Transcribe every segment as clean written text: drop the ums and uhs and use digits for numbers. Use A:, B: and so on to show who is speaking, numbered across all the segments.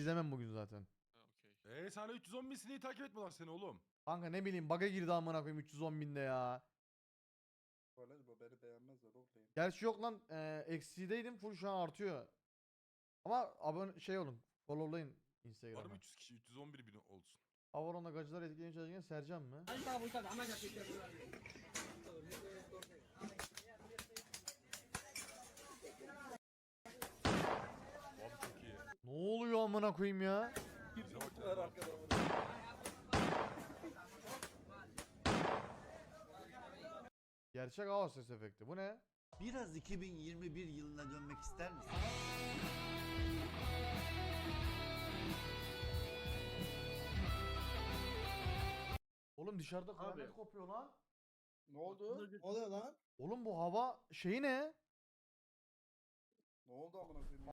A: izlemem bugün zaten.
B: Ha, okey.
C: Sana 310 bin sineği takip etmiyorlar seni oğlum.
A: Kanka ne bileyim bug'a girdi amına koyayım 310 binde ya.
D: Böyle bu beni beğenmezler oğlum.
A: Gerçi yok lan eksideydim full şu an artıyor. Ama abone şey olun followlayın
C: Var mı
A: Instagram'a.
C: 300 kişi 311 bin olsun.
A: Avaron'da gacılar etkileyen çalışırken Sercan mı?
C: Abi çok iyi.
A: Ne oluyor amına koyayım ya?
C: Bize bak
D: Ver
C: ya.
D: arkada.
A: Gerçek hava ses efekti. Bu ne?
E: Biraz 2021 yılına dönmek ister misin?
A: Oğlum dışarıda kıyamet kopuyor lan.
D: Ne oldu?
F: Ne oluyor lan?
A: Oğlum bu hava şeyi ne?
D: Ne oldu amına koyayım?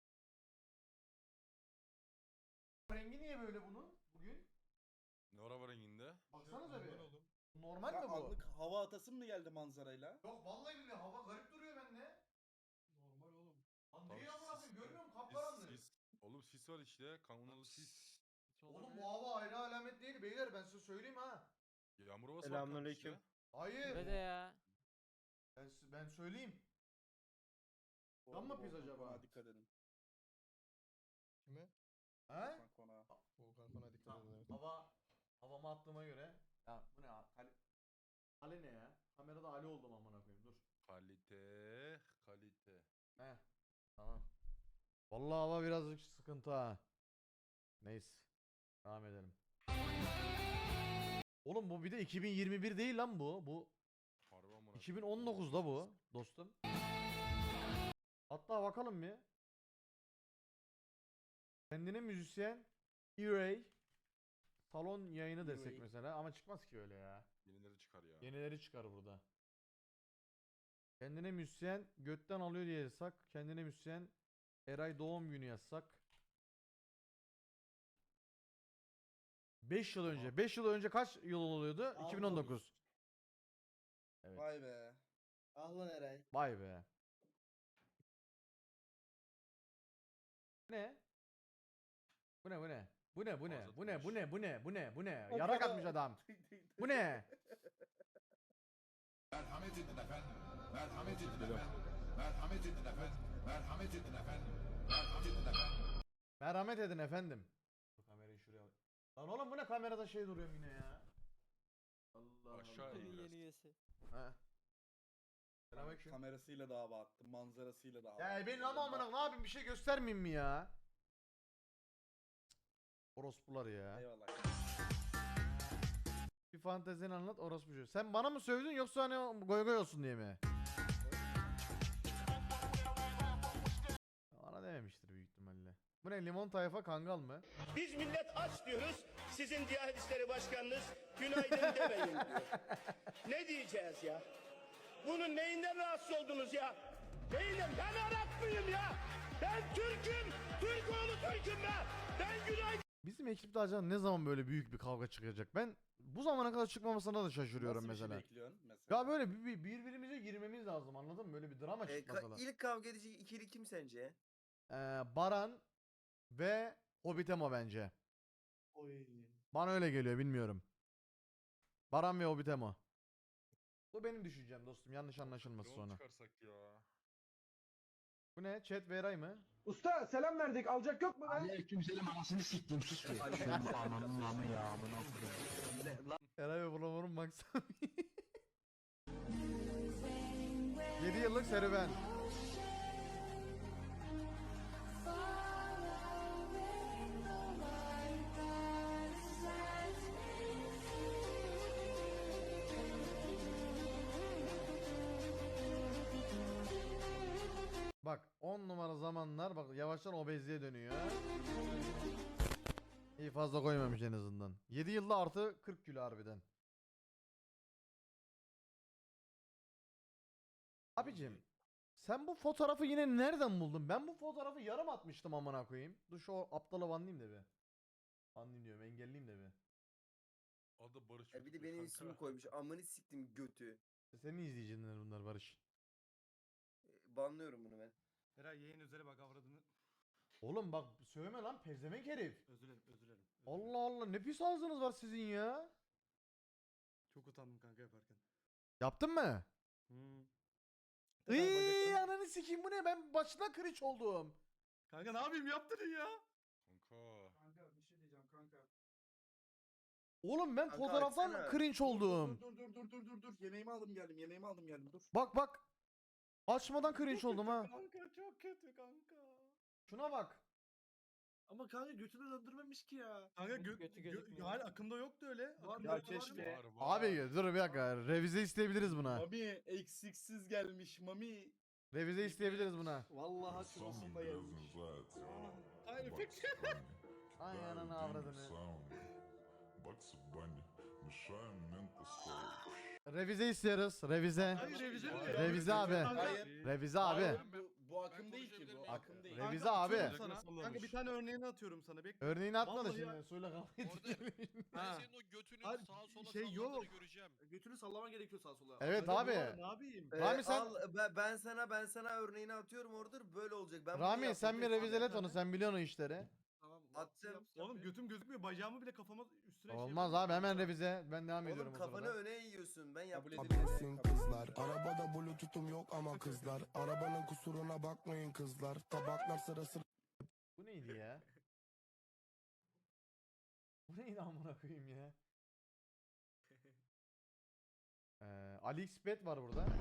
A: Rengi niye böyle bunun bugün?
C: Ne ara var renginde?
A: Baksanıza bir. Normal
D: Ya
A: mi bu?
D: anlık hava atasın mı geldi manzarayla?
A: Yok vallahi billahi hava garip duruyor bende.
F: Normal oğlum.
A: Lan
C: Tamam,
A: niye amına koyayım
C: sis-
A: görmüyor musun?
C: Sis,
A: Kapkaranlık.
C: sis. Oğlum sis var işte. Kanunlu sis.
A: Oğlum bu hava ayrı alamet değil beyler ben size söyleyeyim ha.
C: Yağmur havası var
G: Selamünaleyküm.
C: kanka işte.
A: Hayır.
G: Ve de ya.
A: Ben söyleyeyim. Tam mı pizza acaba?
D: Konağa dikkat edin.
F: Kime?
A: He?
D: Volkan konağa.
F: Volkan bana dikkat edin evet.
A: Havama attığıma göre. Ya bu ne ya? Ali ne ya? Kamerada Ali oldum amına koyayım dur.
C: Kalite. Kalite.
A: He. Tamam. Vallahi hava birazcık sıkıntı ha. Neyse. Devam edelim. Oğlum bu bir de 2021 değil lan bu. Bu
C: Harbi amına.
A: 2019'da bu dostum. Hatta bakalım bir. Kendine müzisyen E-Ray salon yayını desek
D: E-Ray.
A: mesela ama çıkmaz ki öyle ya.
C: Yenileri çıkar ya.
A: Yenileri çıkar burada. Kendine müzisyen götten alıyor diye yazsak. Kendine müzisyen Eray doğum günü yazsak. 5 yıl önce. 5 yıl önce kaç yıl oluyordu? 2019. Evet.
D: Vay be.
F: Ah lan Eray.
A: Vay be. Ne? Bu ne bu ne? Bu ne bu ne? Bu ne bu ne bu ne bu ne bu ne? Yarak atmış adam. Bu ne?
H: Merhamet edin efendim. Merhamet edin efendim. Merhamet edin efendim. Merhamet edin efendim. Merhamet edin efendim.
A: Merhamet edin efendim. Dur kamerayı şuraya al. Lan oğlum bu ne kamerada şey duruyor yine ya. Allah
C: Aşağı
A: Allah.
C: in biraz.
G: Yeni üyesi.
A: Ha. Selamünaleyküm.
D: Kamerasıyla da hava attım. Manzarasıyla da hava
A: Ya
D: attım.
A: ben ama amına ne yapayım bir şey göstermeyeyim mi ya? Orospular ya.
D: Eyvallah.
A: Bir fantezini anlat orospu. Sen bana mı sövdün yoksa hani goy goy olsun diye mi? Bana dememiştir büyük ihtimalle. Bu ne limon tayfa kangal mı?
I: Biz millet aç diyoruz. Sizin Diyanet İşleri Başkanınız günaydın demeyin diyor. Ne diyeceğiz ya? Bunun neyinden rahatsız oldunuz ya? Neyinden? Ben Arap mıyım ya? Ben Türk'üm. Türk oğlu Türk'üm ben. Ben günaydın.
A: Bizim ekipte acaba ne zaman böyle büyük bir kavga çıkacak? Ben bu zamana kadar çıkmamasına da şaşırıyorum
D: Nasıl bir
A: mesela.
D: şey bekliyorsun mesela?
A: Ya böyle birbirimize girmemiz lazım anladın mı? Böyle bir drama çıkmasalar.
J: İlk kavga edici ikili kim sence?
A: Baran ve Hobbitemo bence.
F: Oy.
A: Bana öyle geliyor bilmiyorum. Baran ve Hobbitemo. Bu benim düşüncem dostum yanlış anlaşılması
C: Yol
A: sonra.
C: çıkarsak ya.
A: Bu ne? Chat ve Eray mı?
I: Usta selam verdik. Alacak yok mu lan?
H: Aleykümselam anasını siktim sus be. Ananın namı ya amına koyayım.
A: Eray ve Bulamur'un maksami. 7 yıllık serüven. Bak 10 numara zamanlar bak yavaştan obezliğe dönüyor. İyi fazla koymamış en azından. 7 yılda artı 40 kilo harbiden. Abicim sen bu fotoğrafı yine nereden buldun? Ben bu fotoğrafı yarım atmıştım amına koyayım. Dur şu aptalı banlayayım da bir. Banlayayım diyorum engelleyeyim de bir.
C: Adı Barış.
J: Bir de
C: Öztürk
J: benim
C: kanka.
J: ismimi koymuş. Amını siktim götü.
A: Senin izleyiciler bunlar Barış.
J: Banlıyorum bunu ben.
B: Eray yayın üzere bak avradını.
A: Oğlum bak söyleme lan pezevenk herif.
B: Özür dilerim, özür dilerim.
A: Allah Allah ne pis ağzınız var sizin ya.
B: Çok utandım kanka yaparken.
A: Yaptın mı?
B: Hmm.
A: Iiii ananı sikeyim bu ne ben başına cringe oldum.
B: Kanka ne yapayım yaptın ya?
C: Kanka.
D: Kanka bir şey diyeceğim kanka.
A: Oğlum ben
J: Kanka
A: fotoğraftan
J: açsana.
A: cringe oldum.
D: Dur. Yemeğimi aldım geldim dur.
A: Bak. Açmadan cringe oldum ha.
B: Kanka çok kötü kanka.
A: Şuna bak.
B: Ama kanka götünü döndürmemiş ki ya. Kanka hayır akımda yoktu öyle. Akımda
D: Ya
B: var mı?
D: keşke.
C: Var.
A: Abi dur bir dakika revize isteyebiliriz buna.
D: Mami eksiksiz gelmiş Mami.
A: Revize isteyebiliriz buna.
D: Vallahi
H: Some
D: çubusunda gelmiş.
H: business that
B: Hayır
H: Bugs
B: peki.
H: Bunny.
A: Ay
H: Very
A: ananı
H: deep
A: avradını.
H: sound. Bugs Bunny. Messiah mental soul.
A: Revize istiyoruz. Revize.
B: Hayır revize mi?
A: Revize abi.
D: Hayır.
A: Revize abi.
D: Hayır, bu akım değil ki bu. Akım değil.
A: Revize
B: Kanka,
A: abi.
B: atıyorum sana. Kanka bir tane örneğini atıyorum sana. Bekle.
A: Örneğini atma da
B: Vallahi
A: şimdi.
B: ya.
A: Suyla kavga
B: Ha.
G: Senin o götünün
B: Hayır,
G: sağa sola
B: şey yok.
G: sallandığını göreceğim.
B: Götünü sallaman gerekiyor sağa sola.
A: Evet
B: Öyle
A: abi.
B: bir var, ne yapayım?
A: Rami sen-
J: Ben sana örneğini atıyorum orada böyle olacak. Ben bunu
A: Rami
J: yaptım,
A: sen bir
J: hepsini
A: revizelet
J: yaptım.
A: onu sen biliyorsun o işleri.
B: Tamam.
J: Attım.
B: Oğlum götüm gözükmüyor. Bacağımı bile kafama üstüne
A: Olmaz abi hemen revize. Ben devam ediyorum
J: Oğlum
A: o
J: kafanı
A: sırada.
J: öne yiyorsun. Ben
D: Kabul
J: yaptım.
D: edilmesin
F: kızlar. Arabada bluetooth'um yok ama kızlar. Arabanın kusuruna bakmayın kızlar. Tabaklar sırası.
A: Bu neydi ya? Bu neydi amına koyayım ya? AliExpert var burada.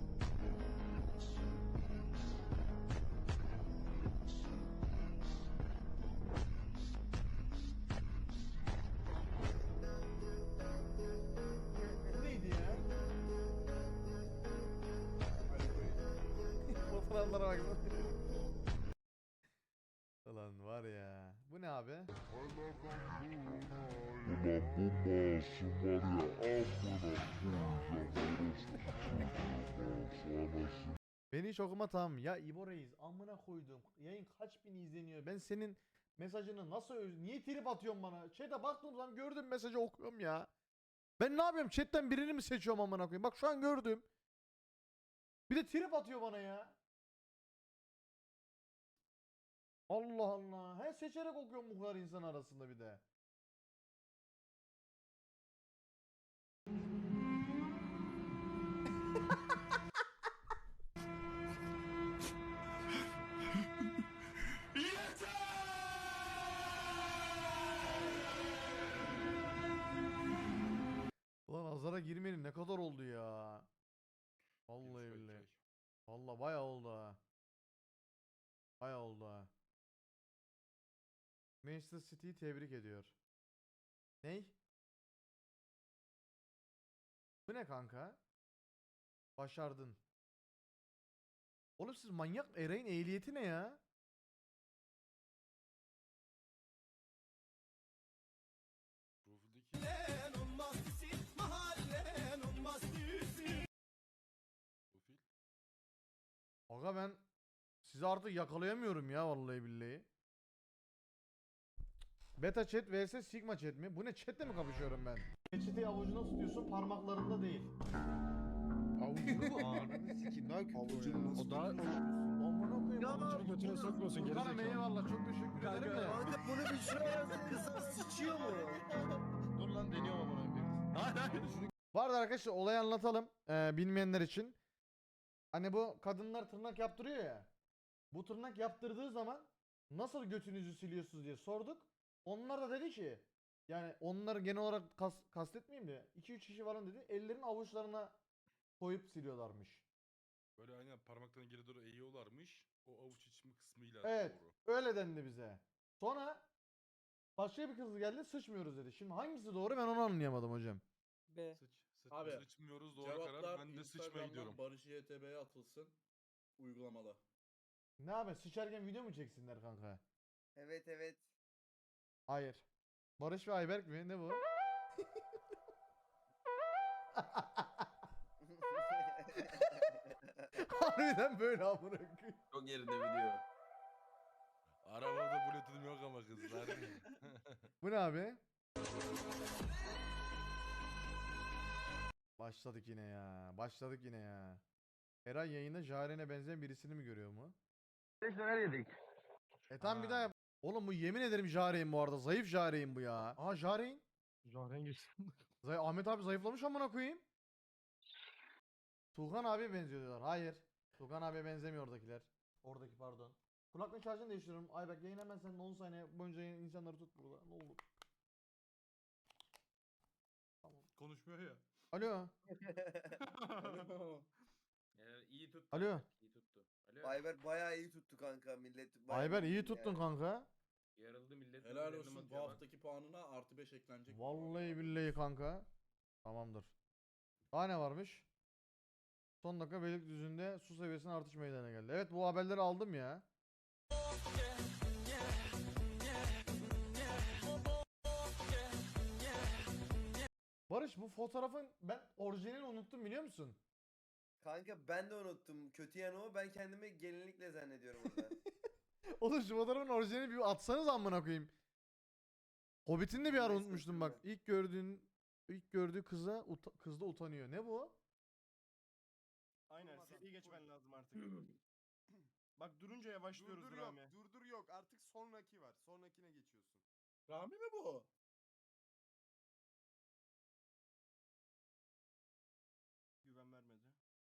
A: Bu neydi ya? Fotoğraflara baksana. Ulan var ya. Bu ne abi? Beni hiç okuma tamam. Ya İbo Reis amına koydum. Yayın kaç bin izleniyor. Ben senin mesajını nasıl niye trip atıyorsun bana? Chat'e baktığım zaman gördüm mesajı okuyorum ya. Ben ne yapıyorum? Chat'ten birini mi seçiyorum amına koyayım? Bak şu an gördüm. Bir de trip atıyor bana ya. Allah Allah. He seçerek okuyorum bu kadar insan arasında bir de. Ulan azara girmenin ne kadar oldu ya. Vallahi billahi. Vallahi bayağı oldu ha. Bayağı oldu ha. Manchester City'yi tebrik ediyor. Ney? Bu ne kanka? Başardın. Oğlum siz manyak Eray'ın ehliyeti ne ya? Aga ben sizi artık yakalayamıyorum ya vallahi billahi. Beta chat vs Sigma chat mi? Bu ne chatle mi kapışıyorum ben? Peçeteyi avucuna tutuyorsun parmaklarında değil.
F: Avucunu mu? Ananı sikeyim. Daha kötü
D: Avucunu nasıl
F: o daha...
A: Amına koyayım.
J: Ya,
A: avucunu
F: götüne sokmuyorsun, geri
A: Furkan'ım
F: zekalı.
A: eyvallah çok teşekkür ederim de.
J: Kanka bunu bir şuraya yazın kızlar sıçıyor mu?
F: Dur lan deniyorum amına koyayım.
B: Hayır hayır.
A: Bu arada arkadaşlar olayı anlatalım bilmeyenler için. Hani bu kadınlar tırnak yaptırıyor ya. Bu tırnak yaptırdığı zaman nasıl götünüzü siliyorsunuz diye sorduk. Onlar da dedi ki yani onları genel olarak kastetmeyeyim de 2-3 kişi falan dedi ellerin avuçlarına koyup siliyorlarmış.
C: Böyle aynen parmaklarını geri doğru eğiyorlarmış. O avuç içimi kısmıyla
A: Evet
C: doğru.
A: öyle dendi bize. Sonra başka bir kız geldi sıçmıyoruz dedi. Şimdi hangisi doğru ben onu anlayamadım hocam.
D: Abi,
C: Sıçmıyoruz doğru karar. Ben de sıçmaya gidiyorum.
D: Barış YTB'ye atılsın. Uygulamada.
A: Ne abi sıçarken video mu çeksinler kanka?
J: Evet.
A: Hayır. Barış ve Ayberk mi? Ne bu? Harbiden böyle amına koyayım.
J: Çok yerinde video.
C: Arabada bluetooth'um yok ama kızlar.
A: Bu ne abi? Başladık yine ya. Başladık yine ya. Eray yayında Jaren'e benzeyen birisini mi görüyor mu? Tamam bir
C: Ha.
A: daha yap. Oğlum bu yemin ederim Jare'in bu arada. Zayıf Jare'in bu ya. Aa Jare'in.
B: Jaren geçti.
A: Ahmet abi zayıflamış amına koyayım. Tuğhan abiye benziyor diyorlar. Hayır. Tuğhan abiye benzemiyor oradakiler. Oradaki pardon. Kulaklık şarjını değiştiriyorum. Ayberk yayın hemen sen de 10 saniye boyunca insanları tut burada. Ne olur.
C: Konuşmuyor ya.
A: Alo.
G: iyi tuttu.
A: Alo.
G: İyi tuttu. Alo.
J: Ayber bayağı iyi tuttu kanka millet. bayağı
A: Ayber iyi
J: yani.
A: tuttun kanka.
G: Yarıldı millet.
D: Helal
G: birbirlerine
D: olsun bu
G: atıyor bak.
D: haftaki puanına +5 eklenecek. bu
A: Vallahi
D: arada.
A: billahi kanka. Tamamdır. Daha ne varmış? Son dakika Beylikdüzü'nde su seviyesinin artış meydana geldi. Evet bu haberleri aldım ya. Barış bu fotoğrafın ben orijinalini unuttum biliyor musun?
J: Kanka ben de unuttum. Kötü yanı o. Ben kendimi gelinlikle zannediyorum orada.
A: Oğlum şu fotoğrafın orijinalini bir atsanız amına koyayım. Hobbit'ini de bir ara
J: Neyse,
A: unutmuştum bak.
J: unuttum
A: İlk gördüğü kız da utanıyor. Ne bu?
B: Aynen seriyi geçmen lazım artık. Bak durunca yavaşlıyoruz
K: Durdur
B: Rami.
K: yok, durdur yok. Artık sonraki var. Sonrakine geçiyorsun.
D: Rami mi bu?
B: Güven vermedi.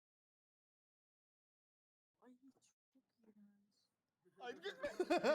L: Ay çok iğrenç.
B: Ay gitme.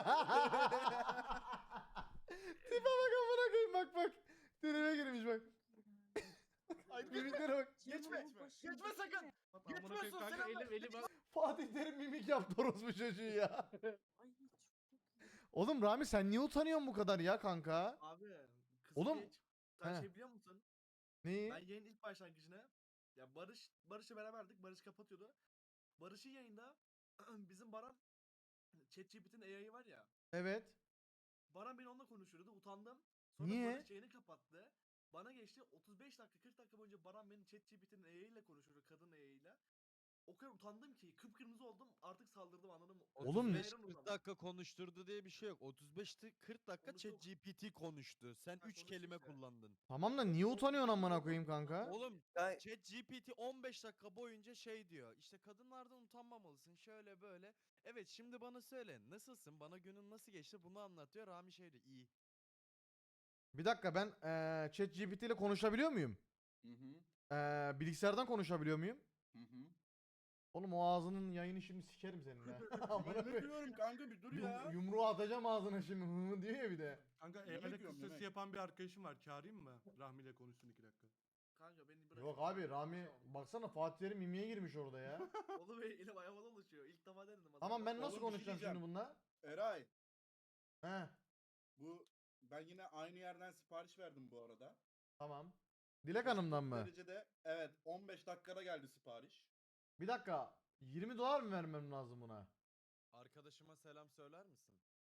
A: Tipe bak amına koyayım bak. Tribe girmiş bak.
B: Ay
A: Mimiklere bak.
B: Geçme. Geçme sakın. Geçmiyorsun
C: Kanka
B: selam.
C: elim
A: Fatih Terim mimik yaptı orospu çocuğu ya.
L: Ay çok iğrenç.
A: Oğlum Rami sen niye utanıyorsun bu kadar ya kanka?
B: Abi. Kızı
A: Oğlum,
B: geç. Sen
A: he.
B: şey biliyor musun?
A: Neyi?
B: Ben yayın ilk başlangıcına ya Barış'la beraberdik. Barış kapatıyordu. Barış'ın yayında bizim Baran ChatGPT'nin AI'ı var ya.
A: Evet.
B: Baran beni onunla konuşuyordu. Utandım. Sonra
A: Niye?
B: Barış yayını kapattı. Bana geçti 35 dakika 40 dakika boyunca Baran beni ChatGPT'nin AI ile konuşuyordu. Kadın AI ile. O kadar utandım ki kıpkırmızı oldum. Artık saldırdım anladın mı?
A: Oğlum-
G: 40 dakika konuşturdu diye bir şey yok. 40 dakika
B: Onu çok-
G: ChatGPT konuştu. Sen
B: Ha,
G: 3
B: konuştu
G: kelime
B: işte.
G: kullandın.
A: Tamam da niye utanıyorsun amına koyayım kanka?
G: Oğlum
J: Ben-
G: ChatGPT 15 dakika boyunca şey diyor. İşte kadınlardan utanmamalısın şöyle böyle. Evet şimdi bana söyle nasılsın? Bana günün nasıl geçti? Bunu anlatıyor. Rami şey diyor. İyi.
A: Bir dakika ben ChatGPT ile konuşabiliyor muyum?
D: Hı hı.
A: Bilgisayardan konuşabiliyor muyum?
D: Hı hı.
A: Oğlum o ağzının yayını şimdi sikerim senin ha. Amına
D: Ben ne
A: koyayım.
D: diyorum kanka bir dur ya.
A: Yumruğu atacağım ağzına şimdi hı hı diyor ya bir de.
C: Kanka
D: Yemek
C: evde
D: yiyorum,
C: kız sesi
D: yemek.
C: yapan bir arkadaşım var. Çağırayım mı? Rahmi ile konuşsun 2 dakika.
B: Kanka beni bırak.
A: Yok abi Rami baksana Fatih Terim mimiye girmiş orada ya.
B: Oğlum elim ayağıma dolaşıyor. İlk defa denedim.
A: Tamam ben nasıl
D: Oğlum, bir şey
A: konuşacağım şimdi
D: diyeceğim.
A: bununla?
D: Eray
A: He
D: ben yine aynı yerden sipariş verdim bu arada.
A: tamam. Dilek Hanım'dan mı?
D: Derecede evet 15 dakikada geldi sipariş.
A: Bir dakika. $20 mı vermem lazım buna?
G: Arkadaşıma selam söyler misin?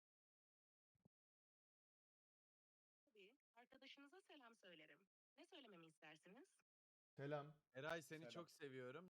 L: Tabii. Arkadaşınıza selam söylerim. Ne söylememi istersiniz?
A: Selam.
G: Eray seni
D: Selam.
G: çok seviyorum.